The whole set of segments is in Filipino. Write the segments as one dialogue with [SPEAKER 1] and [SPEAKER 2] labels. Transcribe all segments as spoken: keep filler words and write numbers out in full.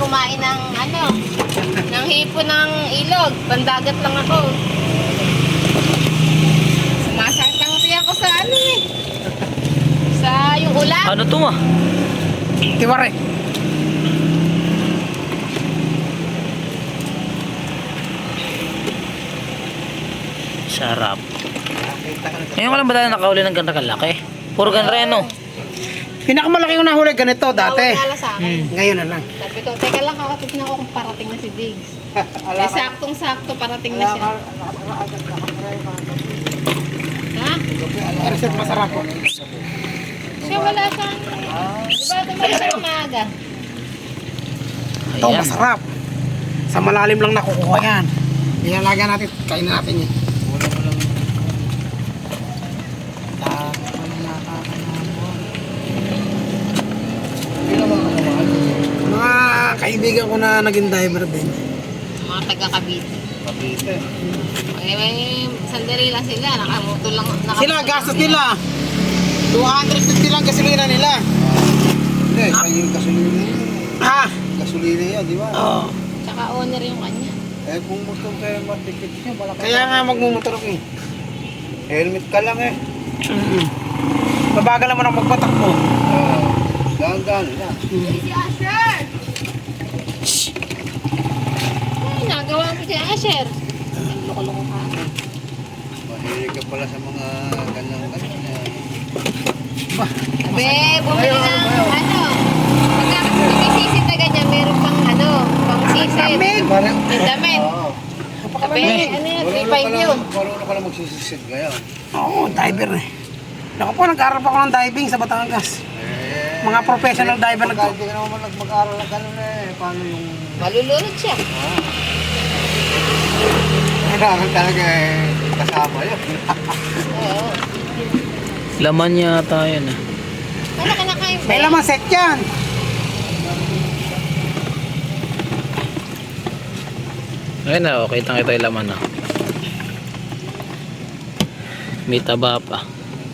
[SPEAKER 1] kumain ng ano, ng hipo ng ilog. Pandagat lang ako. Sumasakit ang tiyan ko sa ano eh. Sa yung ulam.
[SPEAKER 2] Ano to ah?
[SPEAKER 3] Tiwari.
[SPEAKER 2] Sarap. Ngayon ka lang ba tayo nakahuli ng ganda kalaki? Puro ganreno.
[SPEAKER 3] Pinakamalaki ko nahuli ganito dati.
[SPEAKER 1] Nawala sa akin.
[SPEAKER 3] Hmm. Ngayon na lang.
[SPEAKER 1] Sabi ko, teka lang, kakatid na ako kung parating na si Diggs. Eh, saktong-sakto, parating na siya. Ha?
[SPEAKER 3] Reset masarap po.
[SPEAKER 1] Siya wala sa ano. Di ba tumalis sa umaga?
[SPEAKER 3] Ito
[SPEAKER 2] Ayan.
[SPEAKER 3] masarap. Sa malalim lang nakukuha yan. Ilalagyan natin, kainin natin yun. Mga kaibigan ko na naging diver din.
[SPEAKER 1] Mga taga-Cavite.
[SPEAKER 4] Kapite.
[SPEAKER 1] Eh, may sandali lang sila. Nakamoto lang. Naka
[SPEAKER 3] Sila, gastos nila. two hundred fifty lang gasolina nila.
[SPEAKER 4] Hindi, sa yung gasolina yun.
[SPEAKER 3] Ha?
[SPEAKER 4] Gasolina yan, di ba?
[SPEAKER 3] Oo.
[SPEAKER 1] Tsaka owner yung kanya.
[SPEAKER 4] Eh kung gusto kayo matikit niya, malaki.
[SPEAKER 3] Kaya nga magmumotor ko eh.
[SPEAKER 4] Helmet ka lang eh.
[SPEAKER 3] Mm-hmm. Mabagal naman ang magpatakbo.
[SPEAKER 4] Uh, Dahan-dahan lang.
[SPEAKER 1] Si Asher! Ay, nagawa mo si Asher. Ang loko-loko ka.
[SPEAKER 4] Mahilig ka pala sa mga ganang-ganang. eh.
[SPEAKER 1] Abe, bumili ng ano. Pagka kasi may sisid na ganyan, meron pang ano, pang sisid.
[SPEAKER 3] Lamig!
[SPEAKER 4] Parang,
[SPEAKER 1] Yung damit.
[SPEAKER 4] oo.
[SPEAKER 1] Abe, ano yun, three
[SPEAKER 4] Marunong
[SPEAKER 1] five
[SPEAKER 4] ka lang-
[SPEAKER 1] yun.
[SPEAKER 4] Marunong ka lang magsisisid ngayon.
[SPEAKER 3] Oo, diver eh. Naku po, nag-aaral pa ako ng diving sa Batangas.
[SPEAKER 4] Eh,
[SPEAKER 3] Mga professional diver na
[SPEAKER 4] pagka hindi ka naman nag- mag-aaral ng ganun eh. Paano yung...
[SPEAKER 1] Malulunod siya.
[SPEAKER 4] Kailangan talaga eh, kasama yun.
[SPEAKER 1] Oo.
[SPEAKER 2] Laman yata yun ah.
[SPEAKER 1] Ano ka nakain ba?
[SPEAKER 3] May laman set yan.
[SPEAKER 2] Ayun na, okay. Kitang kita yung laman ah. May taba pa.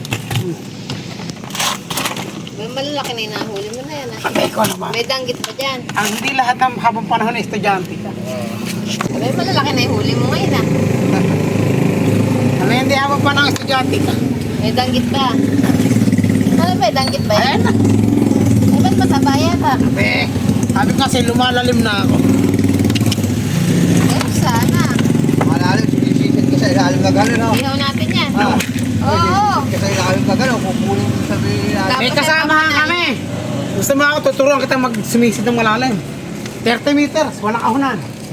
[SPEAKER 1] May malalaki na yung nahuli mo na yan. ah.
[SPEAKER 3] Sabi ko naman.
[SPEAKER 1] May danggit pa dyan.
[SPEAKER 3] Ang hindi lahat ng habang panahon na estudyante ka.
[SPEAKER 1] May malalaki na yung huli mo ngayon ah.
[SPEAKER 3] Ano hindi habang panahon estudyante ka?
[SPEAKER 1] May danggit pa. Ano ba, danggit ba yan?
[SPEAKER 3] Ayan na.
[SPEAKER 1] Eh, ba't mataba yata?
[SPEAKER 3] Sabi, sabi ko kasi lumalalim na ako.
[SPEAKER 1] Eh, sana.
[SPEAKER 4] Malalim, sinisisid ka sa ilalim na gano'n, no?
[SPEAKER 1] Ihaw natin yan.
[SPEAKER 4] Ah,
[SPEAKER 1] Oo.
[SPEAKER 4] sinisisid ka sa ilalim na gano'n, kukunin mo sa ilalim.
[SPEAKER 3] May kasama kami. Gusto mo ako, tuturuan kita magsumisid ng malalim. thirty meters, walang kahunan.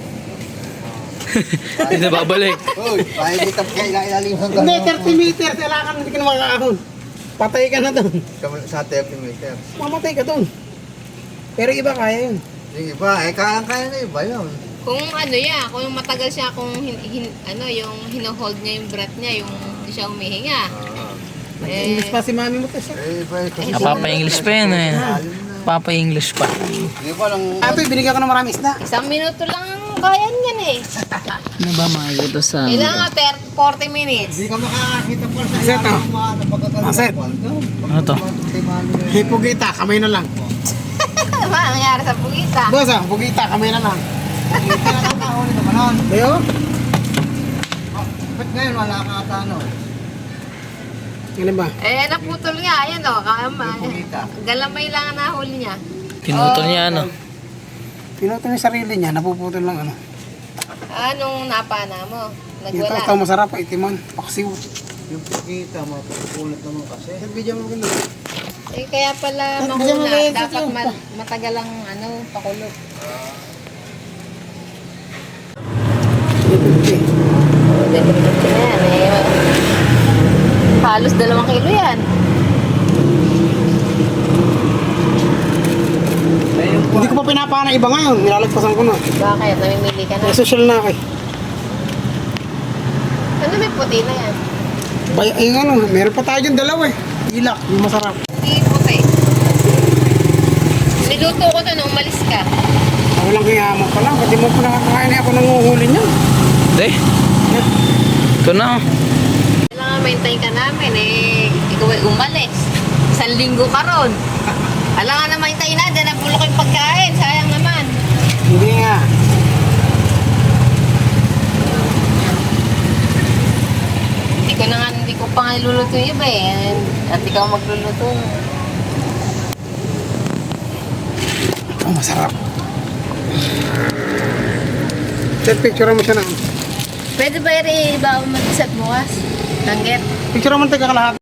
[SPEAKER 2] Hindi na babalik.
[SPEAKER 4] Uy, kahit di tapos ka ilalim ng
[SPEAKER 3] Hindi,
[SPEAKER 4] gano'n.
[SPEAKER 3] thirty meters, kailangan hindi ka na makakahon. Patay ka na doon.
[SPEAKER 4] Sa thirty meters.
[SPEAKER 3] Mamatay ka doon. Pero iba kaya yun.
[SPEAKER 4] Yung iba, eh, kaya-kaya na iba yun.
[SPEAKER 1] Kung ano ya, kung matagal siya, kung hin, hin, ano, yung hino-hold niya yung breath niya, yung hindi siya humihinga.
[SPEAKER 4] Ah,
[SPEAKER 1] Eh,
[SPEAKER 3] English pa si mami mo kasi.
[SPEAKER 4] eh, iba eh, kasi...
[SPEAKER 2] Napapa-English pa yun eh. Papa-English pa.
[SPEAKER 4] Di ba lang...
[SPEAKER 3] Ate, binigyan ko ng marami isda.
[SPEAKER 1] isang minuto lang ang kaya niyan eh.
[SPEAKER 2] Ano ba makikita sa...
[SPEAKER 1] Kailangan thirty, forty minutes.
[SPEAKER 4] Hindi ka makakakita pa sa
[SPEAKER 3] Aset,
[SPEAKER 4] ilalim
[SPEAKER 3] oh.
[SPEAKER 4] ng mga napagkakalupan.
[SPEAKER 3] Aset.
[SPEAKER 2] Ano to?
[SPEAKER 3] Hipugita, kamay na lang.
[SPEAKER 1] Ano ba ang nangyari sa pugita?
[SPEAKER 3] Boss ah, hipugita, kamay na lang.
[SPEAKER 4] Hindi na lang kahuli naman nun.
[SPEAKER 3] Ayo.
[SPEAKER 4] Ba't ngayon wala ka ata ano?
[SPEAKER 3] Ano ba?
[SPEAKER 1] Eh, naputol nga. Ayan o. Kama.
[SPEAKER 4] Pugita.
[SPEAKER 1] Galamay lang ang nahuli niya.
[SPEAKER 2] Pinutol niya ano.
[SPEAKER 3] Pinutol yung sarili niya, napuputol lang ano.
[SPEAKER 1] Anong napana mo?
[SPEAKER 3] Ito,
[SPEAKER 1] Nagwala.
[SPEAKER 3] ito masarap, itimon. Paksiw.
[SPEAKER 4] Yung pugita, mapupunot naman kasi.
[SPEAKER 3] Nagbigyan mo ganun.
[SPEAKER 1] Eh, kaya pala
[SPEAKER 3] Eh, bigyan mo
[SPEAKER 1] mahula.
[SPEAKER 3] kayo,
[SPEAKER 1] Dapat
[SPEAKER 3] Tito.
[SPEAKER 1] ma- matagal ang ano, pakulog. Ayan, eh. Halos dalawang kilo yan.
[SPEAKER 3] Hindi ko pa pinapana iba ngayon, nilalagpasan ko na.
[SPEAKER 1] Bakit? Namimili ka na.
[SPEAKER 3] May social na ako eh.
[SPEAKER 1] Ano may puti na yan?
[SPEAKER 3] Bay, ay ano, meron pa tayo dyan dalawa eh. Ilak, yung masarap.
[SPEAKER 1] Hindi puti. Niluto ko to nung umalis ka.
[SPEAKER 3] Ako lang kaya mo pa lang, pati mo pa nakakain eh, ako nanguhuli niya.
[SPEAKER 2] Hindi. Ito na.
[SPEAKER 1] Kailangan maintain ka namin eh. Ikaw ay umalis. Isang linggo ka ron. Alam nga na maintain na, dyan ang bulok yung pagkain. Sayang naman. nagluluto yung iba eh. At ikaw magluluto.
[SPEAKER 3] Oh, masarap. Sir, picture mo siya na.
[SPEAKER 1] Pwede ba rin iba mag-isat bukas? Tanggit?
[SPEAKER 3] Picture mo tayo kakalahat.